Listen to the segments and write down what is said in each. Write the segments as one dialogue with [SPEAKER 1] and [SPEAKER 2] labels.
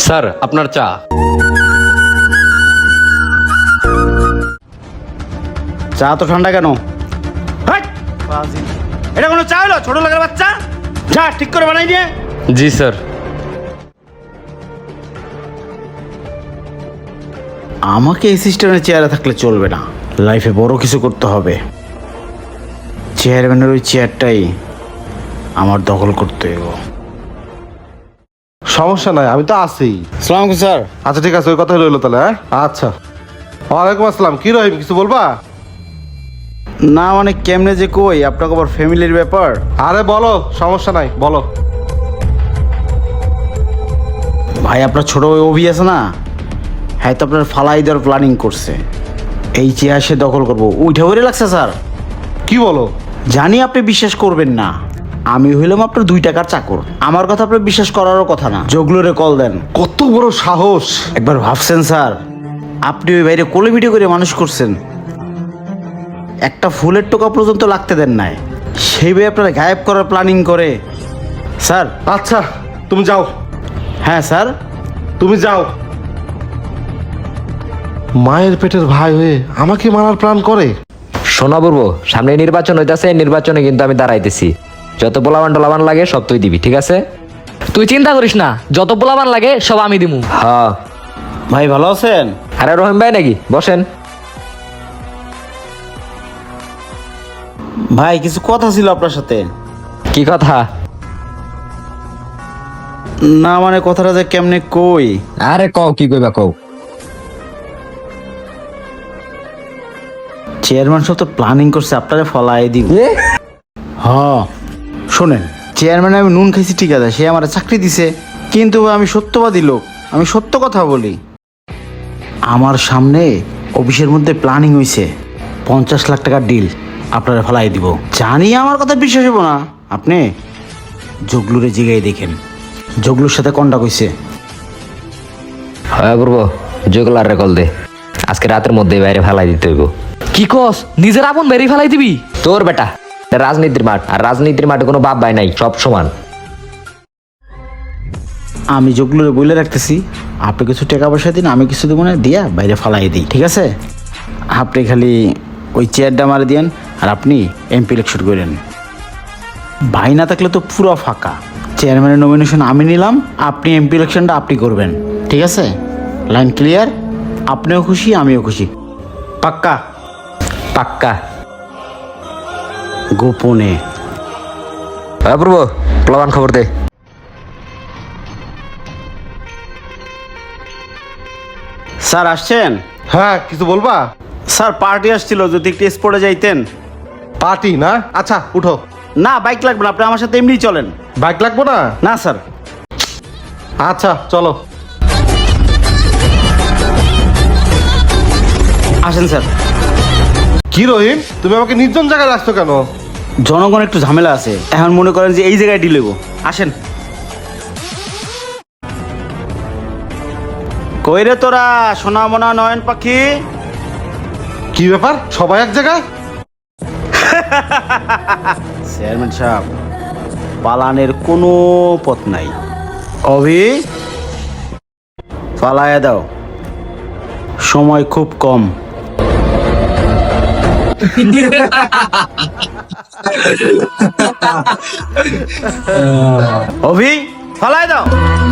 [SPEAKER 1] Sir আপনার চা।
[SPEAKER 2] চা তো ঠান্ডা কেন? হাট! ফাজিল। এটা কোনো চা হলো? ছোট লোকের বাচ্চা, চা ঠিক করে বানাই দিয়ে।
[SPEAKER 1] জি স্যার।
[SPEAKER 2] আমাকে এই সিস্টেমের চেয়ারে থাকলে চলবে না, লাইফে বড় কিছু করতে হবে। চেয়ারম্যানের ওই চেয়ারটাই আমার দখল করতে হবে।
[SPEAKER 3] সমস্যা নাই, আমি তো আছি।
[SPEAKER 2] সালাম স্যার।
[SPEAKER 3] আচ্ছা ঠিক আছে, ওই কথা রইলো তাহলে। হ্যাঁ আচ্ছা, ওয়ালাইকুম আসসালাম। কি রহিম, কিছু বলবা?
[SPEAKER 2] না মানে কেমনে যে কই, আপনাকে আবার ফ্যামিলির ব্যাপার।
[SPEAKER 3] আরে বলো, সমস্যা নাই, বলো।
[SPEAKER 2] ভাই আপনার ছোট ওই অভি আছে না, হ্যাঁ তো আপনার ফালাই দেওয়ার প্ল্যানিং করছে। এই চেয়ার সে দখল করবো, উঠে উঠে লাগছে স্যার।
[SPEAKER 3] কি বলো?
[SPEAKER 2] জানি আপনি বিশ্বাস করবেন না, আমি হইলাম আপনার 2 টাকার চাকর। আমার কথা আপনার বিশ্বাস করারও কথা না। জগলুরে কল দেন।
[SPEAKER 3] কত বড় সাহস!
[SPEAKER 2] একবার ভাবছেন স্যার, আপনি ওই বাইরে কোলে ভিডিও করে মানুষ করছেন, একটা ফুলের টোকা পর্যন্ত লাগতে দেন নাই, সেই ভাই আপনারা গায়েব করার প্ল্যানিং করে। স্যার।
[SPEAKER 3] আচ্ছা তুমি যাও।
[SPEAKER 2] হ্যাঁ স্যার।
[SPEAKER 3] তুমি যাও। মায়ের পেটের ভাই হয়ে আমাকে মারার প্ল্যান করে।
[SPEAKER 4] শোনা বলবো, সামনে নির্বাচন হইতাছে, নির্বাচনে কিন্তু আমি দাঁড়াইতেছি। যত পোলাবান টোলাবান লাগে সব তুই দিবি, ঠিক আছে?
[SPEAKER 5] তুই চিন্তা করিস না, যত পোলাবান লাগে সব আমি দিমু।
[SPEAKER 4] হ্যাঁ।
[SPEAKER 2] ভাই ভালো আছেন?
[SPEAKER 4] আরে রহিম ভাই নাকি? বসেন।
[SPEAKER 2] ভাই কিছু কথা ছিল আপনার সাথে।
[SPEAKER 4] কি কথা?
[SPEAKER 2] না মানে কথাটা যে কেমনে কই।
[SPEAKER 4] আরে কও, কি কইবা কও।
[SPEAKER 2] চেয়ারম্যান সব তো প্ল্যানিং করছে আপনারে ফলাই দিব। হ্যাঁ শোনেন, চেয়ারম্যান আমি নুন খাইছি ঠিক আছে, সে আমার চাকরি দিছে, কিন্তু আমি সত্যবাদী লোক, আমি সত্য কথা বলি। আমার সামনে অফিসের মধ্যে প্ল্যানিং হইছে 50 লাখ টাকার ডিল আপনারা ফলাই দিব। জানি আমার কথা বিশ্বাস হবো না, আপনি জগলুরে জিগাই দেখেন, জগলুর সাথে কন্টাক্ট হইছে।
[SPEAKER 4] হ্যাঁ বলবো, জগলার রে কল দে, আজকে রাতের মধ্যে বাইরে ফেলাই দিতে হইব।
[SPEAKER 5] কি কস, নিজের আপন বেরি ফেলাই দিবি?
[SPEAKER 4] তোর বেটা, এটা রাজনীতির মাঠ, আর রাজনীতির মাঠে কোনো বাপ ভাই নাই, সব সমান।
[SPEAKER 2] আমি জগলুরে বলে রাখতেছি, আপনি কিছু টাকা পয়সা দিন, আমি কিছু দেবো না, দিয়া বাইরে ফালাই দিই, ঠিক আছে? আপনি খালি ওই চেয়ারটা মারে দিয়েন, আর আপনি এমপি ইলেকশন করেন। ভাই না থাকলে তো পুরো ফাঁকা। চেয়ারম্যানের নমিনেশন আমি নিলাম, আপনি এমপি ইলেকশনটা আপনি করবেন, ঠিক আছে? Line clear? আপনিও খুশি, আমিও খুশি, পাক্কা?
[SPEAKER 4] পাক্কা।
[SPEAKER 2] গোপনে।
[SPEAKER 4] হ্যাঁ বলবো, পোলাবান খবর দে।
[SPEAKER 2] স্যার আসছেন?
[SPEAKER 3] হ্যাঁ কিছু বলবা?
[SPEAKER 2] স্যার পার্টি আসছিল, যদি একটু স্পটে যাইতেন।
[SPEAKER 3] পার্টি না? আচ্ছা উঠো।
[SPEAKER 2] না বাইক লাগবে না, আপনি আমার সাথে এমনি চলেন।
[SPEAKER 3] বাইক লাগবো না?
[SPEAKER 2] না স্যার।
[SPEAKER 3] আচ্ছা চলো।
[SPEAKER 2] আসেন স্যার।
[SPEAKER 3] কি রহিম, তুমি আমাকে নির্জন জায়গায় রাখছো কেন?
[SPEAKER 2] জনগণ একটু ঝামেলা আছে, এখন মনে করেন যে এই জায়গায় ডিল হইব। আসেন। কই রে তোরা সোনা মোনা নয়ন পাখি?
[SPEAKER 3] কি ব্যাপার, সবাই এক জায়গায়?
[SPEAKER 2] চেয়ারম্যান সাহেব, পালানের কোনো পথ নাই। অভি পালায়া দাও, সময় খুব কম। অভি ফালায় দাও।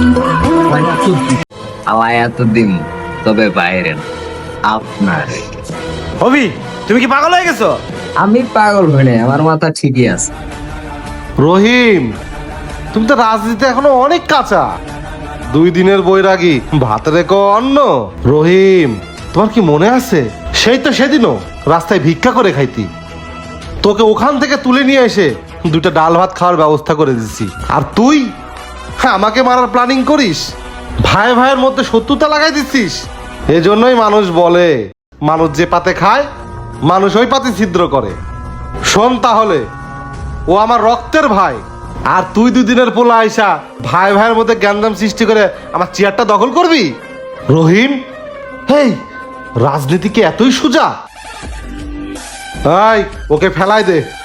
[SPEAKER 6] আমায় এতদিন তবে বাইরে না, আপনার।
[SPEAKER 2] অভি তুমি কি পাগল হয়ে গেছো?
[SPEAKER 6] আমি পাগল হই নাই, আমার মাথা ঠিকই আছে।
[SPEAKER 3] রহিম, তুমি তো রাজনীতিতে এখনো অনেক কাঁচা। 2 দিনের বৈরাগী, ভাত রেখো অন্ন। রহিম, তোমার কি মনে আছে, সেই তো সেদিনও রাস্তায় ভিক্ষা করে খাইতি, তোকে ওখান থেকে তুলে নিয়ে এসে 2টা ডাল ভাত খাওয়ার ব্যবস্থা করে দিচ্ছি, আর তুই আমাকে মারার প্ল্যানিং করিস, ভাই ভাইয়ের মধ্যে শত্রুতা লাগাই দিচ্ছিস। এজন্যই মানুষ বলে, মানুষ যে পাতে খায় মানুষ ওই পাতে ছিদ্র করে। শোন তাহলে, ও আমার রক্তের ভাই, আর তুই 2 দিনের পোলা আইসা ভাই ভাইয়ের মধ্যে গ্যান্দাম সৃষ্টি করে আমার চেয়ারটা দখল করবি? রহিম, হেই, রাজনীতি কি এতই সোজা? ওকে ফেলাই দে।